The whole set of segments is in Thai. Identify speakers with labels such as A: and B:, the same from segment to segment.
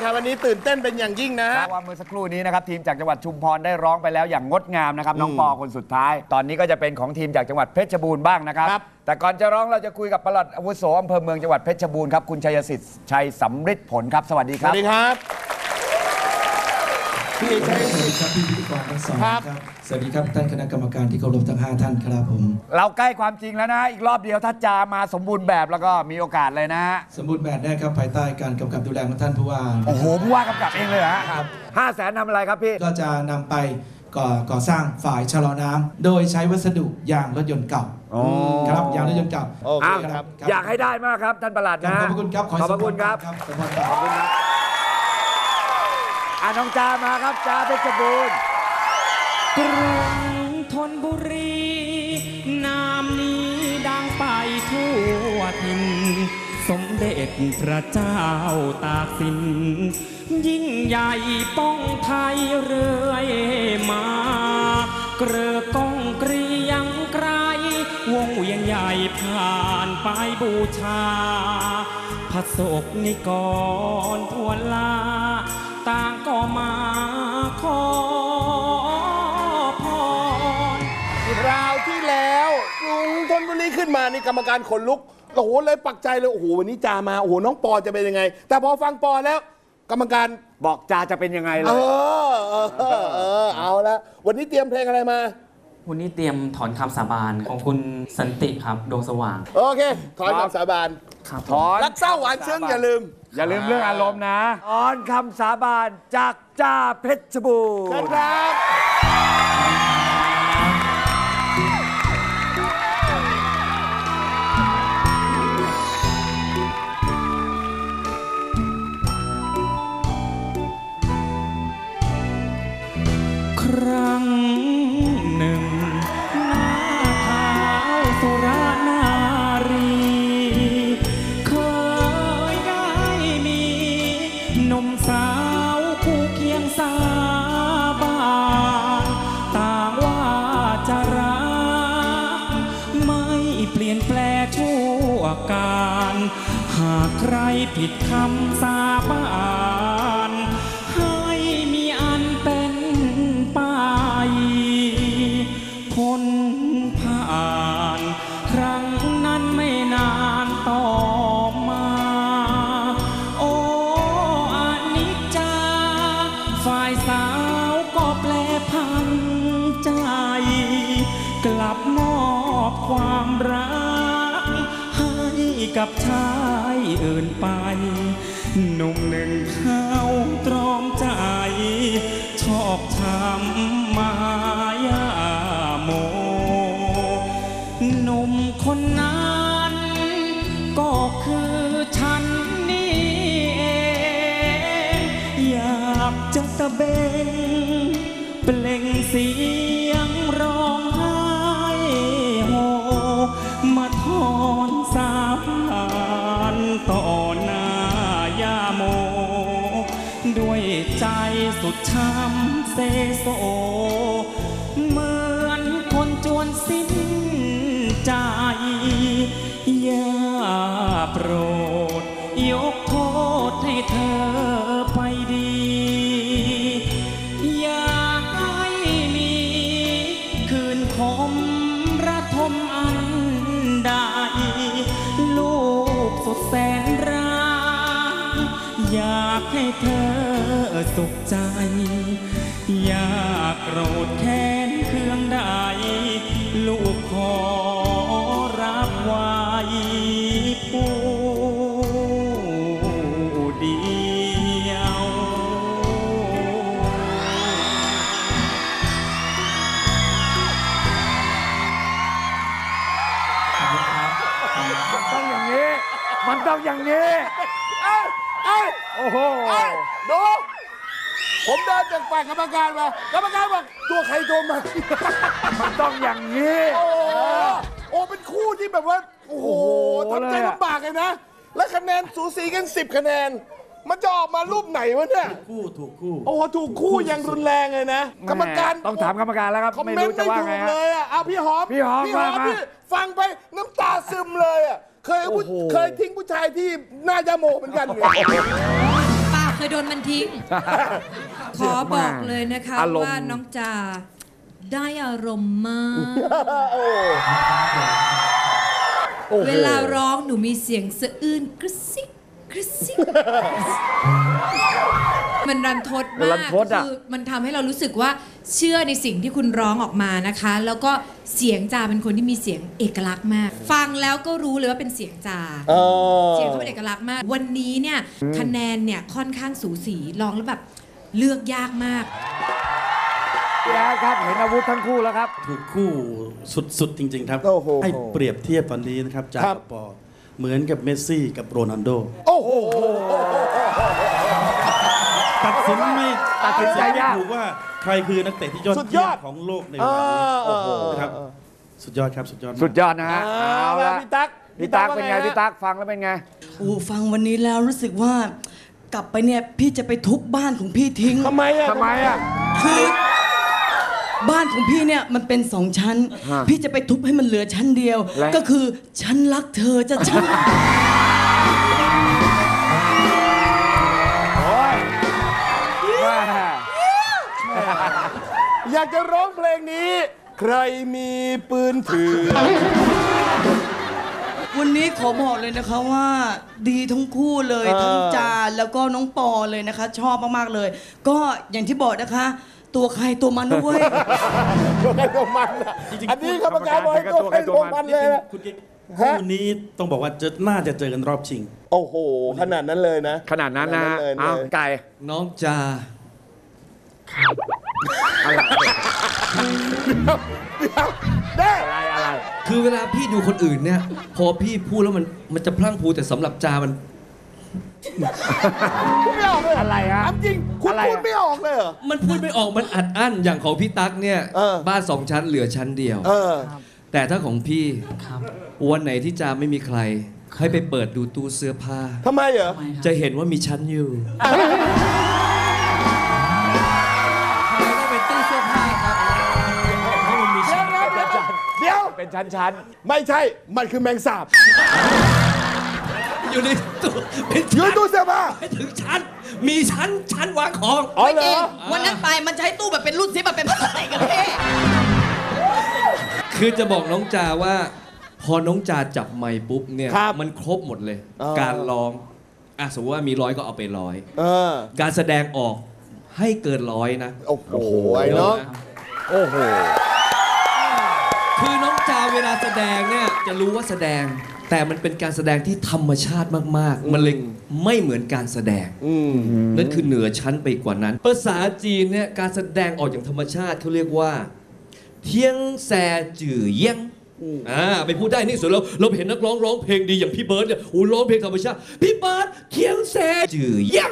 A: ครับวันนี้ตื่นเต้นเป็นอย่างยิ่งนะ
B: เพราะว่าเมื่อสักครู่นี้นะครับทีมจากจังหวัดชุมพรได้ร้องไปแล้วอย่างงดงามนะครับน้องปอคนสุดท้ายตอนนี้ก็จะเป็นของทีมจากจังหวัดเพชรบูรณ์บ้างนะครับแต่ก่อนจะร้องเราจะคุยกับปลัดอาวุโสอำเภอเมืองจังหวัดเพชรบูรณ์ครับคุณชัยสิทธิ์ชัยสำฤทธิ์ผลครับสวัสดีครับ
A: สวัสดีครับพี่ชัยสิทธิ์
C: ครับพี่พิธีกรทั้งสองครับสวัสดีครับท่านคณะกรรมการที่เคารพทั้ง5ท่านครับผม
B: เราใกล้ความจริงแล้วนะอีกรอบเดียวถ้าจามาสมบูรณ์แบบแล้วก็มีโอกาสเลยนะ
C: สมบูรณ์แบบได้ครับภายใต้การกำกับดูแลของท่านผู้ว่า
B: โอ้โหผู้ว่ากำกับเองเลยฮะครับ500,000ทำอะไรครับพี่
C: ก็จะนำไปก่อสร้างฝ่ายชะลอน้ำโดยใช้วัสดุยางรถยนต์เก่าครับยางรถยนต์เก่า
B: อยากให้ได้มากครับท่านปลัดนะ
C: ขอบคุณครับ
B: ขอบคุณครับขอบคุณครับน้องจามาครับจาเพชรบูรณ์
D: กรุงธนบุรีนามนี้ดังไปทั่วถิ่นสมเด็จพระเจ้าตากสินยิ่งใหญ่ป้องไทยเรื่อยมาเกลือก้องเกรียงไกรวงเวียนใหญ่ผ่านไปบูชาพระศกนิกรทั่วลาต่างก็มาขอพร
A: คราวที่แล้วกรุงธนบุรีขึ้นมานี่กรรมการขนลุกโอ้โหเลยปักใจเลยโอ้โหวันนี้จามาโอ้โหน้องปอจะเป็นยังไงแต่พอฟังปอแล้วกรรมการ
B: บอกจาจะเป็นยังไงเลย
A: เอาละวันนี้เตรียมเพลงอะไรมา
D: วันนี้เตรียมถอนคำสาบานของคุณสันติครับดวงสว่าง
A: โอเคถอนคำสาบาน
B: ถอน
A: รักเศร้าหวานซึ้งอย่าลืม
B: เรื่องอารมณ์นะถอนคำสาบานจากจ่าเพชรบูรณ์
A: ครับ
D: ครั้งหนึ่งหน้าเท้าสุรานารีเคยได้มีหนุ่มสาวคู่เคียงสาบานต่างว่าจะรักไม่เปลี่ยนแปลงชั่วการหากใครผิดคำสาบานให้มีอันเป็นพ้นผ่านครั้งนั้นไม่นานต่อมาโอ้อานิจจาฝ่ายสาวก็แปรผันใจกลับมอบความรักให้กับชายอื่นไปหนุ่มหนึ่งเขาตรอมใจชอบช้ำมายาโมหนุ่มคนนั้นก็คือฉันนี่เองอยากจะตะเบงเปล่งเสียงร้องไห้โฮมาถอนสาบานต่อหน้ายาโมด้วยใจสุดช้ำเซโซเหมือนคนจวนสิ้นใจอย่าโปรดยกโทษให้เธอไปดีอย่าให้มีคืนคมระทมอันใดลูกสุดแสนรักอยากให้เธอสุขใจอย่าโกรธแค้นเคืองใดลูกขอรับไว้ผู้เดียว
B: มันต้องอย่างนี้โอ้โห
A: ดูผมเดินจากฝ่ายกรรมการมากรรมการบอกตัวใครตัวมัน
B: มันต้องอย่างนี้
A: โอ้เป็นคู่ที่แบบว่าโอ้โหทำใจลำบากเลยนะและคะแนนสูสีกัน10 คะแนนมันจะออกมารูปไหนวะเนี่ย
C: ถูกคู่
A: โอ้โหถูกคู่อย่างรุนแรงเลยนะกรรมการ
B: ต้องถามกรรมการแล้วครับไม่รู้จะว่าไง
A: เลยอ่ะเอาพี่หอมพี่ฟังไปน้ำตาซึมเลยอ่ะเคยทิ้งผู้ชายที่หน้ายาโมเหมือนกัน
E: ป้าเคยโดนมันทิ้ง ขอบอกเลยนะคะ
B: อารมณ์
E: ว่าน้องจาได้อารมณ์มาก เวลาร้องหนูมีเสียงสะอื้นกระซิกกระซิกมันรันทด
B: รั
E: มาน ก
B: ทดอะ
E: คือมันทำให้เรารู้สึกว่าเชื่อในสิ่งที่คุณร้องออกมานะคะ แล้วก็เสียงจาเป็นคนที่มีเสียงเอกลักษณ์มาก ฟังแล้วก็รู้เลยว่าเป็นเสียงจา เสียงเขาเป็นเอกลักษณ์มาก วันนี้เนี่ยคะแนนเนี่ยค่อนข้างสูสีร้องแล้วแบบเลือกยากมาก
B: พี่แอดครับเห็นอาวุธทั้งคู่แล้วครับ
F: ถูกคู่สุดๆ จริง ๆ ครับ
A: โอ้โห
F: ให้เปรียบเทียบตอนนี้นะครับจาก
A: ครับ
F: กับปอเหมือนกับเมสซี่กับโรนัลโด
A: โอ้โห
F: ตัดสินไม่
B: ตัดสินใจยาก
F: ไม่ถูกว่าใครคือนักเตะที่ยอด
A: สุดย
F: เยี่ย
A: อ
F: ม
A: ด
F: ของโลกในเวลานี้โอ้โหครับสุดยอดครับสุดยอดมาก
B: สุดยอดนะฮะ เอาละ
A: พี่ตั๊ก
B: พี่ตั๊กเป็นไง
A: ว่า
B: พี่ตั๊กฟังแล้วเป็นไง
G: โอ้ฟังวันนี้แล้วรู้สึกว่ากลับไปเนี่ยพี่จะไปทุบบ้านของพี่ทิ้ง
A: ทำไมอ่ะ
B: ทำไมอ่ะ
G: คือบ้านของพี่เนี่ยมันเป็นสองชั้น
B: ฮะ
G: พี่จะไปทุบให้มันเหลือชั้นเดียว
B: และ
G: ก็คือฉันรักเธอจะฉัน
B: โอ้ยแม่
A: อยากจะร้องเพลงนี้ ใครมีปืนถือ
G: วันนี้ขอบอกเลยนะคะว่าดีทั้งคู่เลย ทั้งจาแล้วก็น้องปอเลยนะคะ ชอบมากๆเลย ก็อย่างที่บอกนะคะ ตัวใครตัวมันนะเว้ย
A: ตัวใครตัวมันอะ
F: จริงๆ
A: อันนี้กรรมการบอกให้ตัวใครตัวมันเลยนะ
F: คุณกิ๊กคู่นี้ต้องบอกว่าน่าจะเจอกันรอบชิง
A: โอ้โห ขนาดนั้นเลยนะ
B: ขนาดนั้นนะฮะ
A: เลย
B: เอาไก่
H: น้องจา
A: ได้
B: อะไร
H: คือเวลาพี่ดูคนอื่นเนี่ย พอพี่พูดแล้วมันจะพลั่งพลูแต่สำหรับจามัน
A: พูดไม่ออกเลย
B: อะไรฮะ
A: ถามจริง คุณ
B: อะไรอะ
A: พูดไม่ออกเลยเหรอ
H: มันพูดไม่ออกมันอัดอั้นอย่างของพี่ตั๊กเนี่ย
A: เออ
H: บ้านสองชั้นเหลือชั้นเดียว
A: เออ
H: แต่ถ้าของพี่วันไหนที่จาไม่มีใคร ให้ไปเปิดดูตู้เสื้อผ้า
A: ทำไมเหรอ
H: จะเห็นว่ามีชั้นอยู่
D: ต้องเป็นตู้เสื้อผ้าครับเพราะมันมีชั้น
A: เดี๋ยว
B: เป็นชั้น
A: ไม่ใช่ มันคือแมงสาบ
H: อยู่ในตู้เป็น
A: ยื
H: ชั้
A: น
H: น
A: ตู้เสื้อผ้า
H: ไม่ถึงชั้น มีชั้นวางของ
A: อ๋อ
G: ไม่
A: เหร
G: จริง
A: อ
G: วันนั้นไปมันใช้ตู้แบบเป็นรุ่นซิปแบบเป็นพลาสติกกันพี่
H: คือจะบอกน้องจาว่า พอน้องจาจับไมค์ปุ๊บเนี่ย
A: ครับ
H: มันครบหมดเลย
A: อ๋อ
H: การร้องสมมติว่ามี100ก็เอาไป100
A: เออ
H: การแสดงออกให้เกิน100นะ
A: โอ้โห ไอ้น้อง
B: ๆ โอ้โห
H: คือน้องจาเวลาแสดงเนี่ยจะรู้ว่าแสดง แต่มันเป็นการแสดงที่ธรรมชาติมากๆ มันเลยไม่เหมือนการแสดง
A: อืม
H: นั่นคือเหนือชั้นไปกว่านั้น ภาษาจีนเนี่ยการแสดงออกอย่างธรรมชาติเขาเรียกว่า เทียงแซจื่อเยี่ยงไปพูดได้นี่ส่วนเราเห็นนักร้องร้องเพลงดีอย่างพี่เบิร์ดเนี่ยโอ้ร้องเพลงธรรมชาติพี่เบิร์ดเทียงแซจื่อเยี่ยง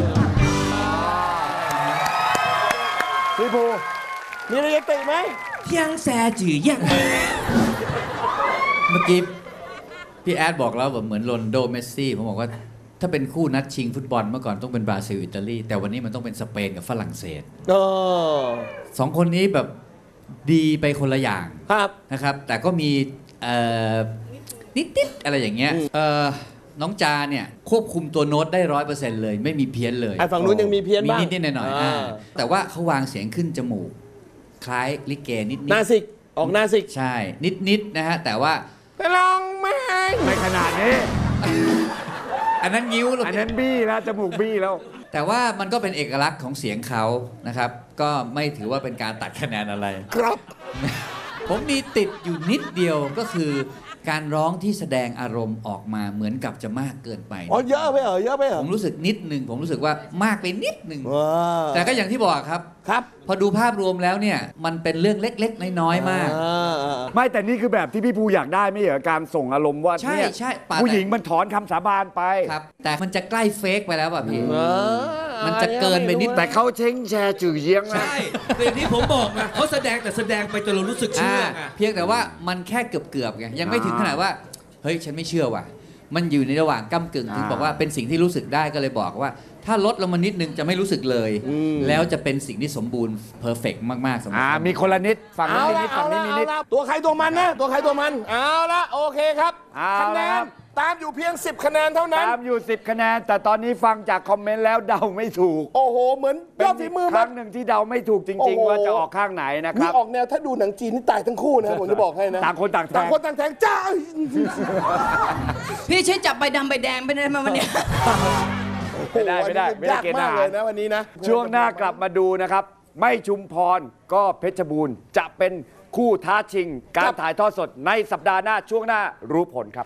A: พี่ภูมีอะไรจะติไหม
H: เทียงแซจื่อเยี่ยง
I: เมื่อกี้พี่แอดบอกแล้วแบบเหมือนโรนลโดเมสซี่ผมบอกว่าถ้าเป็นคู่นัดชิงฟุตบอลเมื่อก่อนต้องเป็นบราซิลอิตาลีแต่วันนี้มันต้องเป็นสเปนกับฝรั่งเศส
A: เออ
I: สองคนนี้แบบดีไปคนละอย่าง
A: ครับ
I: นะครับ แต่ก็มีนิดๆอะไรอย่างเงี้ยน้องจาเนี่ยควบคุมตัวโน้ตได้ 100% เลยไม่มีเพี้ยนเลย
A: ไอ้ฝั่งนู้นยังมีเพี้ยนบ้าง
I: มีนิดๆหน่อยๆแต่ว่าเขาวางเสียงขึ้นจมูก คล้ายลิเกนิด
A: นาสิก ออกนาสิก
I: ๆใช่นิดๆนะฮะแต่ว่า
A: ไปลองไหม
B: ไม่ขนาดนี้
I: อันนั้นงิ้วเลย
B: อันนั้นบี้แล้ว จมูกบี้แล้ว
I: แต่ว่ามันก็เป็นเอกลักษณ์ของเสียงเขานะครับ ก็ไม่ถือว่าเป็นการตัดคะแนนอะไร
A: ครับ
I: ผมมีติดอยู่นิดเดียวก็คือการร้องที่แสดงอารมณ์ออกมาเหมือนกับจะมากเกินไป
A: อ๋อ เยอะไปเหรอ เยอะไปเหรอ
I: ผมรู้สึกนิดหนึ่งผมรู้สึกว่ามากไปนิดหนึ่ง
A: ว้า
I: แต่ก็อย่างที่บอกครับ
A: ครับ
I: พอดูภาพรวมแล้วเนี่ยมันเป็นเรื่องเล็กๆน้อยๆมาก
B: ไม่แต่นี่คือแบบที่พี่ภูอยากได้ไม่เหรอการส่งอารมณ์ว่า
I: ใช่
B: เนี่ย
I: ใช่ป่ะ
B: ผู้หญิงมันถอนคำสาบานไป
I: ครับแต่มันจะใกล้เฟกไปแล้วป่ะพี่
A: เออ
I: มันจะเกินไปนิด
B: แต่เขาเช้งแชร์จื่อเยียงนะ
H: ใช่แต่อย่างที่ผมบอกไงเขาแสดงแต่แสดงไปจนเรารู้สึกเชื่อไง
I: เพียงแต่ว่ามันแค่เกือบๆไงยังไม่ถึงขนาดว่าเฮ้ยฉันไม่เชื่อว่ะมันอยู่ในระหว่างก้ำกึ่งถึงบอกว่าเป็นสิ่งที่รู้สึกได้ก็เลยบอกว่าถ้าลดลงมานิดนึงจะไม่รู้สึกเลย แล้วจะเป็นสิ่งที่สมบูรณ์เพอร์เฟกต์มากๆสำหรับ
B: มีคนละนิดฝั่งนี้
A: เอา
B: มี
A: ละ
B: นิด
A: เอา
B: ฝั่ง
A: ละ
B: นี้มี
A: เอา
B: นิด
A: ละตัวใครตัวมันนะตัวใครตัวมันเอาละโอเคครับ
B: เอา
A: คะแน
B: ละครั
A: น
B: บ
A: ตามอยู่เพียง 10 คะแนนเท่านั้น
B: ตามอยู่ 10 คะแนน แต่ตอนนี้ฟังจากคอมเมนต์แล้วเดาไม่ถูก
A: โอ้โหเหมือนยอดฝีมือ
B: ค
A: มา
B: รั้งหนึ่งที่เดาไม่ถูกจ
A: โอ้
B: ริง
A: โห
B: ๆ ว่าจะออกข้างไหนนะค
A: นี่
B: รับ
A: ออกแนวถ้าดูหนังจีนนี่ตายทั้งคู่นะผมจะบอกให้นะ
B: ต่างคนต่างแทง
A: ต่างคนต่างแทงจ้า
G: พี่ช่วยจับใบดำใบแดงไปได้ไหมวันเนี้ย
B: ไม่ได้ไม่ได้
A: โอ้โห
B: ไม่ได้
A: ยาก
B: เกณฑ์ท
A: มาก
B: หา
A: เล
B: ร
A: ยนะวันนี้นะ
B: ช่วงหน้ากลับมาดูนะครับ ไม่ชุมพรก็เพชรบูรณ์จะเป็นคู่ท้าชิง การถ่ายทอดสดในสัปดาห์หน้าช่วงหน้ารู้ผลครับ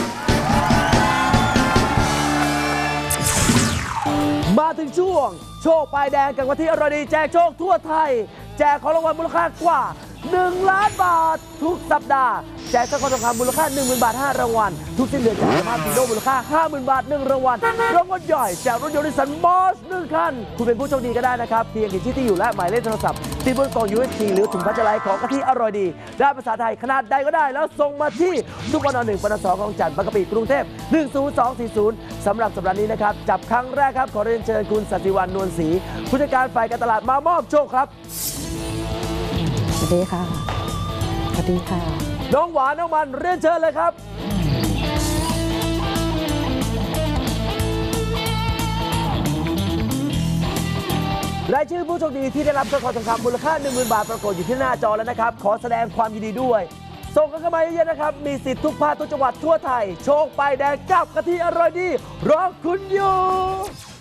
J: มาถึงช่วงโชคปลายแดงกับวันที่อรดีแจกโชคทั่วไทย แจกของรางวัลมูลค่ากว่า 1 ล้านบาท ทุกสัปดาห์ แจกสร้อยคอทองคำมูลค่า 10,000 บาท 5 รางวัล ทุกสิ้นเดือนแจกสมาร์ทฟีโดมูลค่า 50,000 บาท 1 รางวัลรางวัลใหญ่แจกรถยนต์นิสสันมอส1 คัน คุณเป็นผู้โชคดีก็ได้นะครับ เพียงเขียนชื่อที่อยู่และหมายเลขโทรศัพท์ติดบนกล่อง USB หรือถุงพลาสติกของกะทิอร่อยดี ได้ภาษาไทยขนาดใดก็ได้ แล้วส่งมาที่ทุกปน1ปน2ของจันทร์บางกะปิกรุงเทพ10240สำหรับสัปดาห์นี้นะครับจับครั้งแรกครับขอเรียนเชิญคุณสัตย์วันนวลศรีผู้จัดการฝ่ายการตลาดมามอบโชคครับ
K: สวัสดีค่ะ สวัสดีค่ะ
J: น้องหวานน้องมันเรียนเชิญเลยครับ รายชื่อผู้โชคดีที่ได้รับสร้อยคอทองคำมูลค่า 10,000 บาทปรากฏอยู่ที่หน้าจอแล้วนะครับ ขอแสดงความยินดีด้วย ส่งกันเข้ามาเยอะๆนะครับ มีสิทธิ์ทุกภาคทุกจังหวัดทั่วไทย โชคป้ายแดงกับกะทิอร่อยดีรอคุณอยู่